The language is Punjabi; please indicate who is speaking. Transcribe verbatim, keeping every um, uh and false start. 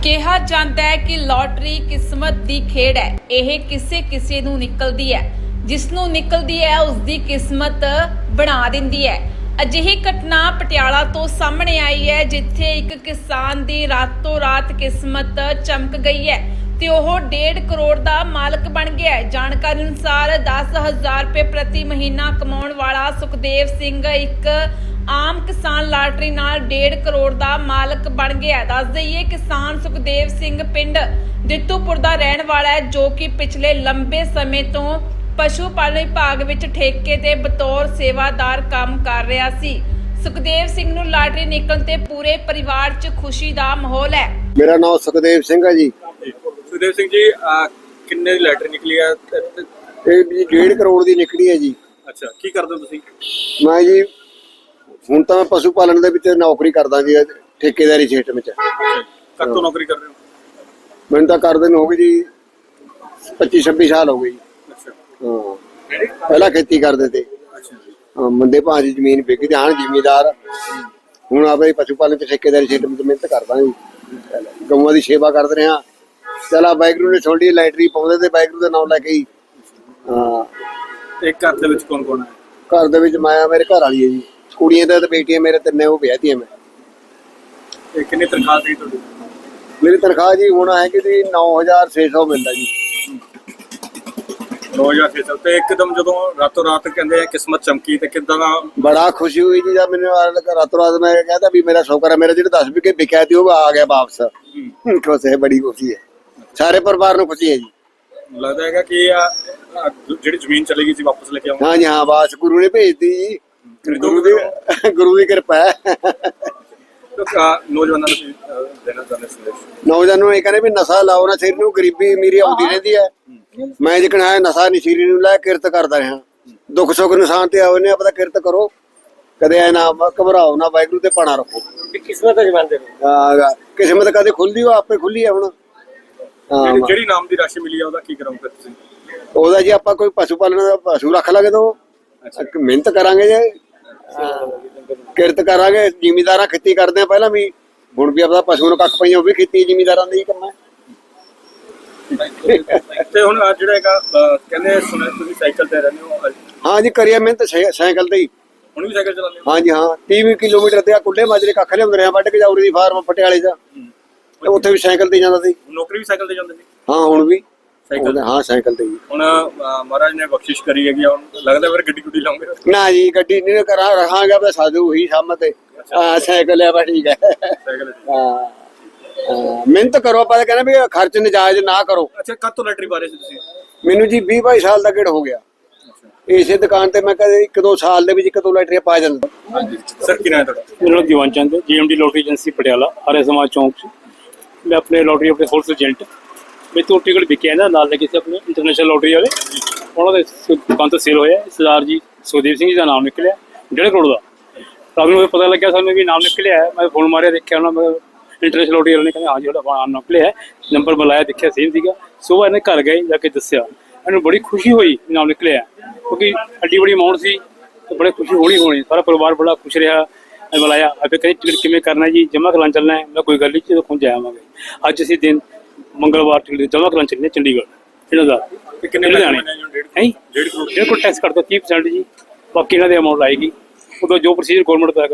Speaker 1: ਕਿਹਾ ਜਾਂਦਾ ਹੈ ਕਿ ਲੋਟਰੀ ਕਿਸਮਤ ਦੀ ਖੇਡ ਹੈ। ਇਹ ਕਿਸੇ ਕਿਸੇ ਨੂੰ ਨਿਕਲਦੀ ਹੈ, ਜਿਸ ਨੂੰ ਨਿਕਲਦੀ ਹੈ ਉਸ ਦੀ ਕਿਸਮਤ ਬਣਾ ਦਿੰਦੀ ਹੈ। ਅਜਿਹੀ ਘਟਨਾ ਪਟਿਆਲਾ ਤੋਂ ਸਾਹਮਣੇ ਆਈ ਹੈ, ਜਿੱਥੇ ਇੱਕ ਕਿਸਾਨ ਦੀ ਰਾਤੋਂ ਰਾਤ ਕਿਸਮਤ ਚਮਕ ਗਈ ਹੈ ਤੇ ਉਹ ਡੇਢ ਕਰੋੜ ਦਾ ਮਾਲਕ ਬਣ ਗਿਆ ਹੈ। ਜਾਣਕਾਰੀ ਅਨੁਸਾਰ ਦਸ ਹਜ਼ਾਰ ਰੁਪਏ ਪ੍ਰਤੀ ਮਹੀਨਾ ਕਮਾਉਣ ਵਾਲਾ ਸੁਖਦੇਵ ਸਿੰਘ ਇੱਕ ਆਮ ਕਿਸਾਨ ਲਾਟਰੀ ਨਾਲ ਡੇਢ ਕਰੋੜ ਦਾ ਮਾਲਕ ਬਣ ਗਿਆ। ਦੱਸ ਦਈਏ, ਕਿਸਾਨ ਸੁਖਦੇਵ ਸਿੰਘ ਪਿੰਡ ਦਿੱਤੂਪੁਰ ਦਾ ਰਹਿਣ ਵਾਲਾ ਹੈ, ਜੋ ਕਿ ਪਿਛਲੇ ਲੰਬੇ ਸਮੇਂ ਤੋਂ ਪਸ਼ੂ ਪਾਲਣ ਵਿਭਾਗ ਵਿੱਚ ਠੇਕੇ ਤੇ ਬਤੌਰ ਸੇਵਾਦਾਰ ਕੰਮ ਕਰ ਰਿਹਾ ਸੀ। ਸੁਖਦੇਵ ਸਿੰਘ ਨੂੰ ਲਾਟਰੀ ਨਿਕਲਣ ਤੇ ਪੂਰੇ ਪਰਿਵਾਰ 'ਚ ਖੁਸ਼ੀ ਦਾ ਮਾਹੌਲ ਹੈ।
Speaker 2: ਮੇਰਾ ਨਾਮ ਸੁਖਦੇਵ ਸਿੰਘ ਹੈ ਜੀ।
Speaker 3: ਸੁਖਦੇਵ ਸਿੰਘ ਜੀ, ਕਿੰਨੇ ਦੀ ਲਾਟਰੀ ਨਿਕਲੀ ਹੈ?
Speaker 2: ਇਹ ਜੀ ਡੇਢ ਕਰੋੜ ਦੀ ਨਿਕਲੀ ਹੈ ਜੀ।
Speaker 3: ਅੱਛਾ, ਕੀ ਕਰਦੇ ਹੋ ਤੁਸੀਂ?
Speaker 2: ਮੈਂ ਜੀ ਹੁਣ ਤਾਂ ਮੈਂ ਪਸ਼ੂ ਪਾਲਣ ਦੇ ਵਿੱਚ ਨੌਕਰੀ ਕਰਦਾ ਜੀ, ਠੇਕੇਦਾਰੀ ਸਿਸਟਮ ਵਿੱਚ।
Speaker 3: ਕਦ ਤੋਂ ਨੌਕਰੀ ਕਰ ਰਹੇ ਹੋ?
Speaker 2: ਮੈਨੂੰ ਤਾਂ ਕਰਦੇ ਨੂੰ ਹੋ ਗਈ ਜੀ ਪੱਚੀ ਛੱਬੀ ਸਾਲ ਹੋ ਗਏ ਜੀ।
Speaker 3: ਅੱਛਾ
Speaker 2: ਹਾਂ, ਪਹਿਲਾਂ ਖੇਤੀ ਕਰਦੇ ਤੇ।
Speaker 3: ਅੱਛਾ ਜੀ।
Speaker 2: ਹਾਂ, ਮੰਦੇ ਭਾਅ ਦੀ ਜ਼ਮੀਨ ਵਿਕ ਗਈ, ਹਾਂ ਜ਼ਿਮੀਦਾਰ। ਹੁਣ ਆਪਣੇ ਪਸ਼ੂ ਪਾਲਣ ਤੇ ਠੇਕੇਦਾਰੀ ਸਿਸਟਮ ਵਿੱਚ ਮਿਹਨਤ ਕਰਦਾ ਜੀ, ਗਊਆਂ ਦੀ ਸੇਵਾ ਕਰਦੇ ਰਿਹਾ। ਚਲਾ ਵਾਹਿਗੁਰੂ ਨੇ ਛੋਡੀ ਲਾਟਰੀ ਪਾਉਂਦੇ ਤੇ ਵਾਹਿਗੁਰੂ ਦਾ ਨਾਮ ਲੈ ਕੇ ਹੀ। ਹਾਂ,
Speaker 3: ਤੇ ਘਰ ਦੇ ਵਿੱਚ ਕੌਣ ਕੌਣ ਹੈ?
Speaker 2: ਘਰ ਦੇ ਵਿੱਚ ਮੈਂ ਮੇਰੇ ਘਰ ਵਾਲੀ ਹੈ ਜੀ, ਕੁੜੀਆਂ ਦਾ ਤੇ ਬੇਟੀਆਂ ਮੇਰੇ ਤਿੰਨੇ, ਉਹ ਵਿਆਹਤੀਆਂ ਮੈਂ।
Speaker 3: ਤੇ ਕਿੰਨੀ ਤਨਖਾਹ ਸੀ ਤੁਹਾਡੀ?
Speaker 2: ਮੇਰੀ ਤਨਖਾਹ ਜੀ ਹੁਣ ਹੈ ਕਿ ਜੀ ਨੌ ਹਜ਼ਾਰ ਛੇ ਸੌ ਮਿਲਦਾ ਜੀ।
Speaker 3: ਨੌ ਹਜ਼ਾਰ ਛੇ ਸੌ। ਤੇ ਇੱਕਦਮ ਜਦੋਂ ਰਾਤੋਂ ਰਾਤ ਕਹਿੰਦੇ ਆ ਕਿਸਮਤ ਚਮਕੀ, ਤੇ ਕਿੱਦਾਂ ਦਾ?
Speaker 2: ਬੜਾ ਖੁਸ਼ੀ ਹੋਈ ਜੀ ਜਦ ਮੈਨੂੰ ਰਾਤੋਂ ਰਾਤ ਮੈਂ ਕਹਿੰਦਾ ਵੀ ਮੇਰਾ ਸ਼ੌਕਰ ਹੈ, ਮੇਰਾ ਜਿਹੜਾ ਦਸ ਵਿਕੇ ਵਿਕਿਆ ਸੀ ਉਹ ਆ ਗਿਆ ਵਾਪਸ। ਖੁਸ਼ ਹੈ, ਬੜੀ ਖੁਸ਼ੀ ਹੈ, ਸਾਰੇ ਪਰਿਵਾਰ ਨੂੰ ਖੁਸ਼ੀ ਹੈ ਜੀ।
Speaker 3: ਲੱਗਦਾ ਹੈਗਾ ਕਿ ਆ ਜਿਹੜੀ ਜ਼ਮੀਨ ਚਲੀ ਗਈ ਸੀ ਵਾਪਸ ਲੈ ਕੇ ਆਉਂਗਾ?
Speaker 2: ਹਾਂ ਜੀ, ਹਾਂ, ਬਸ ਗੁਰੂ ਨੇ ਭੇਜਤੀ ਜੀ, ਗੁਰੂ ਦੀ ਗੁਰੂ ਦੀ ਕਿਰਪਾ ਹੈ।
Speaker 3: ਨੌਜਵਾਨਾਂ ਨੂੰ ਦੇਣਾ ਚਾਹੁੰਦੇ ਸੰਦੇਸ਼?
Speaker 2: ਨੌਜਵਾਨਾਂ ਨੂੰ ਇਹ ਕਹਿੰਦੇ ਵੀ ਨਸ਼ਾ ਲਾਓ ਨਾ, ਸਿਰ ਨੂੰ ਗਰੀਬੀ ਅਮੀਰੀ ਆਉਂਦੀ ਰਹਿੰਦੀ ਹੈ। ਮੈਂ ਜਿਕਣ ਹੈ ਨਸ਼ਾ ਨਹੀਂ ਸਿਰ ਨੂੰ ਲੈ ਕਿਰਤ ਕਰਦਾ ਰਿਹਾ। ਦੁੱਖ ਸੁੱਖ ਨਿਸ਼ਾਨ ਤੇ ਆਓ ਨੇ ਆਪਣਾ ਕਿਰਤ ਕਰੋ, ਕਦੇ ਐ ਨਾ ਘਬਰਾਓ ਨਾ, ਵਾਹਿਗੁਰੂ ਤੇ ਪਾਣਾ ਰੱਖੋ।
Speaker 3: ਕਿਸਮਤ ਜਮਾਂਦੇ ਨੇ।
Speaker 2: ਹਾਂ, ਕਿਸਮਤ ਕਦੇ ਖੁੱਲਦੀ ਉਹ ਆਪੇ ਖੁੱਲੀ ਹੈ। ਹੁਣ
Speaker 3: ਜਿਹੜੀ ਜਿਹੜੀ ਨਾਮ ਦੀ ਰਾਸ਼ੀ ਮਿਲੀ ਆ ਉਹਦਾ ਕੀ ਕਰਾਂਗੇ ਤੁਸੀਂ?
Speaker 2: ਉਹਦਾ ਜੀ ਆਪਾਂ ਕੋਈ ਪਸ਼ੂ ਪਾਲਣ ਦਾ ਪਸ਼ੂ ਰੱਖ ਲਾਂਗੇ ਤਾਂ ਮਿਹਨਤ ਕਰਾਂਗੇ ਜੀ, ਕਿਰਤ ਕਰਾਂਗੇ। ਜ਼ਿਮੀਦਾਰਾਂ ਖੇਤੀ ਕਰਦੇ ਆ ਪਹਿਲਾਂ ਵੀ, ਹੁਣ ਵੀ ਆਪਣਾ ਪਸ਼ੂ ਨੂੰ ਕੱਖ ਪਈਆਂ, ਉਹ ਵੀ ਖੇਤੀ ਜ਼ਿਮੀਦਾਰਾਂ ਦਾ ਹੀ ਕੰਮ ਹੈ।
Speaker 3: ਤੇ ਹੁਣ ਜਿਹੜਾ ਹੈਗਾ ਕਹਿੰਦੇ ਸੁਣਿਆ ਤੁਸੀਂ ਸਾਈਕਲ ਤੇ ਰਹਿੰਦੇ ਹੋ?
Speaker 2: ਹਾਂ ਜੀ, ਕਰੀਏ ਮਿਹਨਤ ਸਾਈਕਲ ਤੇ ਹੀ।
Speaker 3: ਹੁਣ ਵੀ ਸਾਈਕਲ ਚਲਾਉਂਦੇ ਹੋ?
Speaker 2: ਹਾਂ ਜੀ, ਹਾਂ, ਤੀਹ ਕਿਲੋਮੀਟਰ ਤੇ ਆ ਕੁੱਲੇ ਮਾਜਰੇ ਕੱਖ ਲਿਆਉਂਦੇ ਰਹੇ, ਵੱਢ ਕੇ ਜਾਉਰੀ ਦੀ ਫਾਰਮ ਪਟਿਆਲੇ ਦਾ, ਉੱਥੇ ਵੀ ਸਾਈਕਲ ਤੇ ਜਾਂਦਾ ਸੀ।
Speaker 3: ਨੌਕਰੀ ਵੀ ਸਾਈਕਲ ਤੇ ਜਾਂਦੇ ਸੀ?
Speaker 2: ਹਾਂ, ਹੁਣ ਵੀ
Speaker 3: ਸਾਈਕਲ?
Speaker 2: ਹਾਂ, ਸਾਈਕਲ ਤੇ ਹੀ।
Speaker 3: ਹੁਣ ਮਹਾਰਾਜ ਨੇ ਬਖਸ਼ਿਸ਼ ਕਰੀ ਹੈਗੀ, ਹੁਣ ਲੱਗਦਾ ਫਿਰ ਗੱਡੀ ਗੁੱਡੀ ਲਾਉਂਗੇ?
Speaker 2: ਨਾ ਜੀ, ਗੱਡੀ ਨਹੀਂ ਕਰਾਂ, ਰਹਾਂਗਾ ਬਸ ਸਾਧੂ ਉਹੀ ਸਾਹਮਣੇ ਤੇ। ਹਾਂ, ਸਾਈਕਲ ਹੈ, ਬਸ ਠੀਕ ਹੈ।
Speaker 3: ਸਾਈਕਲ?
Speaker 2: ਹਾਂ, ਮਿਹਨਤ ਕਰੋ, ਆਪਾਂ ਕਹਿੰਦੇ ਵੀ ਖਰਚ ਨਜਾਇਜ਼ ਨਾ ਕਰੋ।
Speaker 3: ਅੱਛਾ, ਕਦ ਤੋਂ ਲੈਟਰੀ ਬਾਰੇ ਸੀ ਤੁਸੀਂ?
Speaker 2: ਮੈਨੂੰ ਜੀ ਵੀਹ ਬਾਈ ਸਾਲ ਦਾ ਗੇੜ ਹੋ ਗਿਆ ਇਸੇ ਦੁਕਾਨ ਤੇ। ਮੈਂ ਕਦੇ ਇੱਕ ਦੋ ਸਾਲ ਦੇ ਵਿੱਚ ਇੱਕ ਦੋ ਲੈਟਰੀਆਂ ਪਾ ਜਾਂਦਾ।
Speaker 3: ਹਾਂਜੀ ਸਰ, ਕੀ ਨਾਮ ਹੈ ਤੁਹਾਡਾ?
Speaker 4: ਮੇਰਾ ਨਾਮ ਦੀਵਾਨ ਚੰਦ ਹੈ, GMD lottery agency Patiala, Arya Samaj ਚੌਂਕ 'ਚ। ਮੈਂ ਆਪਣੇ ਲੋਟਰੀ ਆਪਣੇ ਹੋਲਸੇਲ ਏਜੰਟ, ਮੇਰੇ ਤੋਂ ਟਿਕਟ ਵਿਕਿਆ ਨਾ ਨਾਲ ਲੱਗੇ ਸੀ ਆਪਣੇ ਇੰਟਰਨੈਸ਼ਨਲ ਲੋਟਰੀ ਵਾਲੇ, ਉਹਨਾਂ ਦੇ ਦੁਕਾਨ ਤੋਂ ਸੇਲ ਹੋਇਆ। ਸਰਦਾਰ ਜੀ ਸੁਖਦੇਵ ਸਿੰਘ ਜੀ ਦਾ ਨਾਮ ਨਿਕਲਿਆ, ਡੇਢ ਕਰੋੜ ਦਾ। ਰਾਤ ਨੂੰ ਪਤਾ ਲੱਗਿਆ ਸਾਨੂੰ ਵੀ ਨਾਮ ਨਿਕਲਿਆ ਹੈ। ਮੈਂ ਫੋਨ ਮਾਰਿਆ, ਦੇਖਿਆ ਉਹਨਾਂ ਮੈਂ ਇੰਟਰਨੈਸ਼ਨਲ ਲੋਟਰੀ ਵਾਲੇ ਨੇ, ਕਹਿੰਦੇ ਹਾਂ ਜਿਹੜਾ ਨਾਮ ਨਿਕਲਿਆ, ਨੰਬਰ ਬੁਲਾਇਆ, ਦੇਖਿਆ ਸੇਮ ਸੀਗਾ। ਸੁਬਾਹ ਇਹਨੇ ਘਰ ਗਏ, ਜਾ ਕੇ ਦੱਸਿਆ, ਇਹਨੂੰ ਬੜੀ ਖੁਸ਼ੀ ਹੋਈ ਨਾਮ ਨਿਕਲਿਆ, ਕਿਉਂਕਿ ਐਡੀ ਬੜੀ ਅਮਾਊਂਟ ਸੀ ਤੇ ਬੜੀ ਖੁਸ਼ੀ ਹੋਣੀ ਹੋਣੀ। ਸਾਰਾ ਪਰਿਵਾਰ ਬੜਾ ਖੁਸ਼ ਰਿਹਾ। ਮੈਂ ਬੁਲਾਇਆ, ਆਪੇ ਕਹਿੰਦੇ ਟਿਕਟ ਕਿਵੇਂ ਕਰਨਾ ਜੀ, ਜਮ੍ਹਾਂ ਕਰਾਂ ਚੱਲਣਾ ਹੈ? ਮੈਂ ਕੋਈ ਗੱਲ ਨਹੀਂ, ਜਦੋਂ ਪਹੁੰਚ ਜਾਵਾਂਗੇ। ਅੱਜ ਅਸੀਂ ਦਿਨ ਮੰਗਲਵਾਰ ਟਿਕਟ ਜਮ੍ਹਾਂ ਕਰਾਂ ਚੱਲਣੇ ਚੰਡੀਗੜ੍ਹ ਇਹਨਾਂ ਦਾ।
Speaker 3: ਕਿੰਨੇ
Speaker 4: ਲੁਧਿਆਣੇ ਹੈ
Speaker 3: ਡੇਢ ਕਰੋੜ?
Speaker 4: ਡੇਢ ਕਰੋੜ ਟੈਕਸ ਕੱਟ ਦੋ, ਤੀਹ ਪਰਸੈਂਟ ਜੀ, ਬਾਕੀ ਇਹਨਾਂ ਦੀ ਅਮਾਊਂਟ ਆਏਗੀ। ਉਦੋਂ ਜੋ ਪ੍ਰੋਸੀਜਰ ਗੌਰਮੈਂਟ ਦਾ